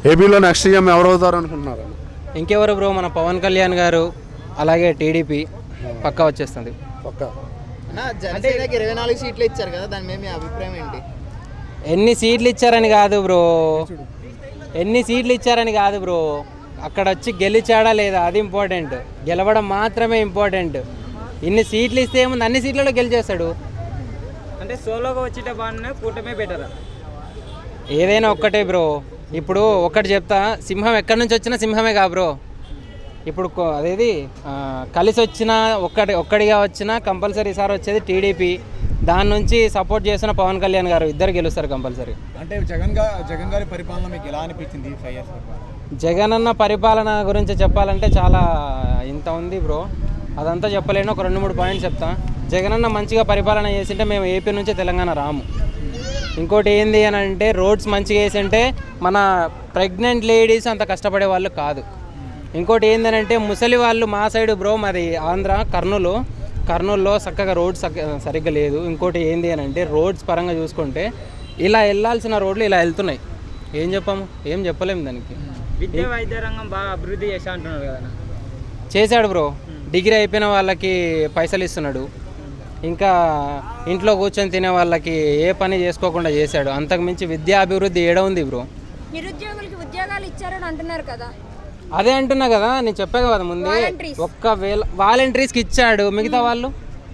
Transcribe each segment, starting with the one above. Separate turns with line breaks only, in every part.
ఏపీలో next CM ఎవరు అవుతారు అనుకుంటున్నారు?
ఇంకెవరు బ్రో, మన పవన్ కళ్యాణ్ గారు, అలాగే టీడీపీ పక్కా వచ్చేస్తుంది.
పక్కా.
జనసేనకి 24 సీట్లు ఇచ్చారు కదా, దాని మీద మీ అభిప్రాయం ఏంటి?
ఎన్ని సీట్లు ఇచ్చారని కాదు బ్రో, అక్కడ వచ్చి గెలిచాడా లేదా అది ఇంపార్టెంట్, గెలవడం మాత్రమే ఇంపార్టెంట్. ఇన్ని సీట్లు ఇస్తే ఏముంది, అన్ని సీట్లలో గెలిచేస్తాడు.
అంటే సోలోగా వచ్చేట బాగున్నా, కూటమే బెటరా?
ఏదైనా ఒక్కటే బ్రో. ఇప్పుడు ఒక్కటి చెప్తా, సింహం ఎక్కడి నుంచి వచ్చినా సింహమే కా బ్రో. ఇప్పుడు అదేది కలిసి వచ్చిన ఒక్కడిగా వచ్చినా కంపల్సరీ సార్ వచ్చేది టీడీపీ. దాని నుంచి సపోర్ట్ చేసిన పవన్ కళ్యాణ్ గారు, ఇద్దరు గెలుస్తారు కంపల్సరీ.
అంటే జగన్ గారి పరిపాలన మీకు ఎలా అనిపించింది? 5 years
జగన్ అన్న పరిపాలన గురించి చెప్పాలంటే చాలా ఇంత ఉంది బ్రో, అదంతా చెప్పలేను. ఒక 2-3 పాయింట్స్ చెప్తా. జగన్ అన్న మంచిగా పరిపాలన చేసింటే మేము ఏపీ నుంచి తెలంగాణ రాము. ఇంకోటి ఏంది అని అంటే, రోడ్స్ మంచిగా వేసింటే మన ప్రెగ్నెంట్ లేడీస్ అంత కష్టపడే వాళ్ళు కాదు. ఇంకోటి ఏంటంటే, ముసలి వాళ్ళు మా సైడ్ బ్రో, మాది ఆంధ్ర కర్నూలులో చక్కగా రోడ్స్ సరిగ్గా లేదు. ఇంకోటి ఏంది అని అంటే, రోడ్స్ పరంగా చూసుకుంటే ఇలా వెళ్ళాల్సిన రోడ్లు ఇలా వెళ్తున్నాయి. ఏం చెప్పలేము దానికి.
విద్యా వైద్య రంగం బాగా అభివృద్ధి చేశా అంటున్నారు కదా.
చేశాడు బ్రో, డిగ్రీ అయిపోయిన వాళ్ళకి పైసలు ఇస్తున్నాడు. ఇంకా ఇంట్లో కూర్చొని తినే వాళ్ళకి ఏ పని చేసుకోకుండా చేశాడు. అంతకుమించి విద్యా అభివృద్ధి ఏడ ఉంది బ్రో?
నిరుద్యోగులకి ఉద్యోగాలు ఇచ్చారని అంటున్నారు కదా.
అదే అంటున్నా కదా, నేను చెప్పాను కదా ముందే. ఒక్కవేళ వాలంటీర్స్కి ఇచ్చాడు, మిగతా వాళ్ళు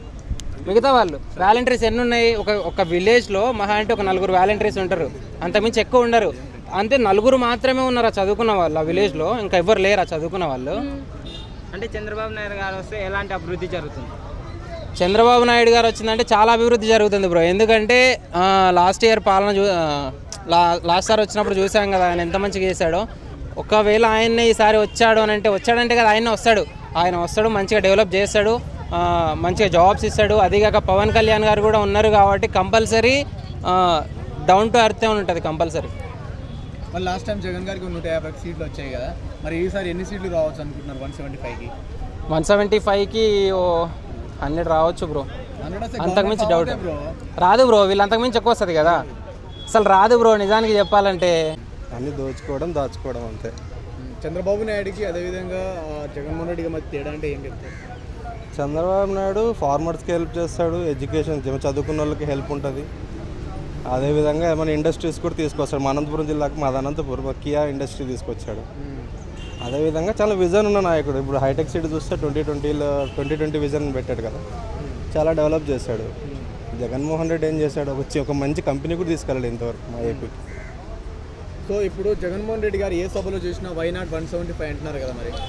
వాలంటీర్స్ ఎన్ని ఉన్నాయి? ఒక విలేజ్లో మహా అంటే ఒక 4 వాలంటీర్స్ ఉంటారు, అంతకుమించి ఎక్కువ ఉండరు. అంతే 4 మాత్రమే ఉన్నారు ఆ చదువుకున్న వాళ్ళు ఆ విలేజ్లో, ఇంకా ఎవరు లేరు ఆ చదువుకున్న వాళ్ళు.
అంటే చంద్రబాబు నాయుడు గారు వస్తే ఎలాంటి అభివృద్ధి జరుగుతుంది?
చంద్రబాబు నాయుడు గారు వచ్చిందంటే చాలా అభివృద్ధి జరుగుతుంది బ్రో. ఎందుకంటే లాస్ట్ ఇయర్ పాలన లాస్ట్ సార్ వచ్చినప్పుడు చూసాం కదా ఆయన ఎంత మంచిగా చేశాడో. ఒకవేళ ఆయన్నే ఈసారి వచ్చాడంటే కదా ఆయన వస్తాడు మంచిగా డెవలప్ చేస్తాడు, మంచిగా జాబ్స్ ఇస్తాడు. అదిగాక పవన్ కళ్యాణ్ గారు కూడా ఉన్నారు కాబట్టి కంపల్సరీ డౌన్ టు ఎర్త్ ఉంటుంది కంపల్సరీ.
మరి లాస్ట్ టైం జగన్ గారికి 150 సీట్లు వచ్చాయి కదా, మరి ఈసారి ఎన్ని సీట్లు రావచ్చు అనుకుంటున్నారు? 175కి
175కి 100 రావచ్చు బ్రో. అంతకుమించి డౌట్ రాదు బ్రో, వీళ్ళు అంతకుమించి ఎక్కువ వస్తుంది కదా, అసలు రాదు బ్రో నిజానికి చెప్పాలంటే.
అన్ని దాచుకోవడం అంతే.
చంద్రబాబు నాయుడుకి అదేవిధంగా జగన్మోహన్ రెడ్డికి మధ్య తేడా అంటే ఏం చెప్తారు?
చంద్రబాబు నాయుడు ఫార్మర్స్కి హెల్ప్ చేస్తాడు, ఎడ్యుకేషన్ చదువుకున్న వాళ్ళకి హెల్ప్ ఉంటుంది. అదేవిధంగా ఏమైనా ఇండస్ట్రీస్ కూడా తీసుకొస్తాడు. మా అనంతపురం జిల్లాకు మాది అనంతపురం, కియా ఇండస్ట్రీ తీసుకొచ్చాడు. అదేవిధంగా చాలా విజన్ ఉన్న నాయకుడు. ఇప్పుడు హైటెక్ సిటీ చూస్తే 2020 విజన్ పెట్టాడు కదా, చాలా డెవలప్ చేశాడు. జగన్మోహన్ రెడ్డి ఏం చేశాడు, ఒక మంచి కంపెనీ కూడా తీసుకెళ్ళాడు ఇంతవరకు మా ఏపీకి.
సో ఇప్పుడు జగన్మోహన్ రెడ్డి గారు ఏ సభలో చూసినా వైనాడ్ 175 అంటున్నారు కదా, మరి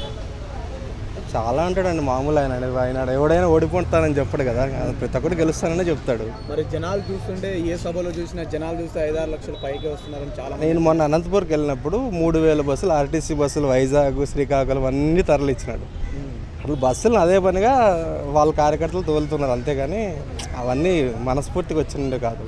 చాలా అంటాడండి మామూలు ఆయన ఎవడైనా ఓడిపోతానని చెప్పాడు కదా, ప్రతి ఒక్కటి గెలుస్తానని చెప్తాడు.
మరి జనాలు చూస్తుంటే ఏ సభలో చూసినా జనాలు చూస్తే 5-6 లక్షల పైకి వస్తున్నారని చాలా.
నేను మొన్న అనంతపురంకి వెళ్ళినప్పుడు 3000 బస్సులు ఆర్టీసీ బస్సులు వైజాగ్ శ్రీకాకుళం అన్నీ తరలిచ్చినాడు. అసలు బస్సులు అదే పనిగా వాళ్ళ కార్యకర్తలు తోలుతున్నారు, అంతేగాని అవన్నీ మనస్ఫూర్తిగా వచ్చిండే కాదు.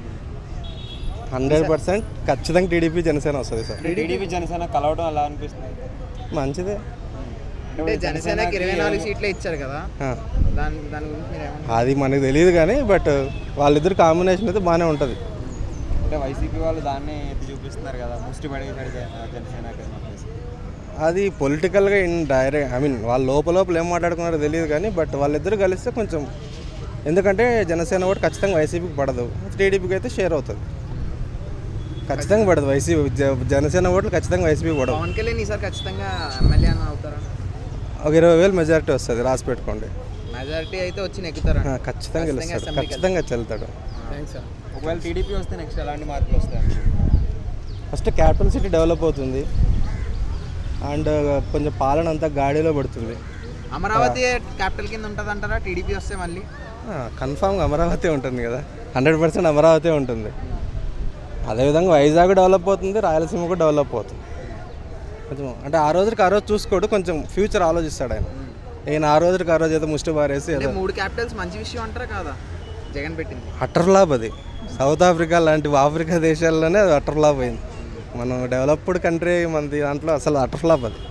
100% ఖచ్చితంగా టీడీపీ జనసేన వస్తుంది సార్.
టీడీపీ జనసేన కలవడం అలా అనిపిస్తుంది,
మంచిదే.
అంటే జనసేనకి 24 సీట్లే ఇచ్చారు కదా, దాని గురించి మీరు ఏమన్నా?
అది మనకు తెలియదు కానీ బట్ వాళ్ళిద్దరు కాంబినేషన్ అయితే బాగానే ఉంటుంది.
అంటే వైసీపీ వాళ్ళు దాన్ని చూపిస్తున్నారు కదా, ముష్టి పడేసాడు జనసేనకి.
అది పొలిటికల్గా డైరెక్ట్ వాళ్ళ లోపల ఏం మాట్లాడుకున్నారో తెలియదు కానీ బట్ వాళ్ళిద్దరు కలిస్తే కొంచెం, ఎందుకంటే జనసేన ఓటు ఖచ్చితంగా వైసీపీకి పడదు, టీడీపీకి అయితే షేర్ అవుతుంది. ఖచ్చితంగా పడదు వైసీపీ, జనసేన ఓట్లు ఖచ్చితంగా వైసీపీకి పడదు.
పవన్ కళ్యాణ్ ఈసారి ఖచ్చితంగా ఎమ్మెల్యే అవుతారా?
ఒక 20,000 మెజారిటీ వస్తుంది, రాసి పెట్టుకోండి.
మెజారిటీ అయితే వచ్చి నెక్కుతారా?
ఖచ్చితంగా గెలుస్తాడు, ఖచ్చితంగా వెళ్తాడు.
Thanks sir.
ఒకవేళ టీడీపీ వస్తే నెక్స్ట్ ఎలాంటి మార్పులు వస్తాయి?
ఫస్ట్ క్యాపిటల్ సిటీ డెవలప్ అవుతుంది అండ్ కొంచెం పాలన అంతా గాడిలో పడుతుంది.
అమరావతి క్యాపిటల్ కింద ఉంటుంది అంటారా టీడీపీ వస్తే? మళ్ళీ
కన్ఫామ్గా అమరావతి ఉంటుంది కదా, 100% అమరావతి ఉంటుంది. అదేవిధంగా వైజాగ్ డెవలప్ అవుతుంది, రాయలసీమ కూడా డెవలప్ అవుతుంది. కొంచెం అంటే ఆ రోజుకి ఆ రోజు చూసుకోడు, కొంచెం ఫ్యూచర్ ఆలోచిస్తాడు ఆయన. నేను ఆ రోజుకి ఆ రోజు ఏదో ముష్టి బారేసి
3 క్యాపిటల్స్ మంచి విషయం అంటారా కాదా జగన్ పెట్టింది?
అటర్ లాభ్ అది. సౌత్ ఆఫ్రికా లాంటి ఆఫ్రికా దేశాల్లోనే అది అటర్ లాభ్ అయింది. మనం డెవలప్డ్ కంట్రీ మనది, దాంట్లో అసలు అటర్ ఫ్లాప్ అది.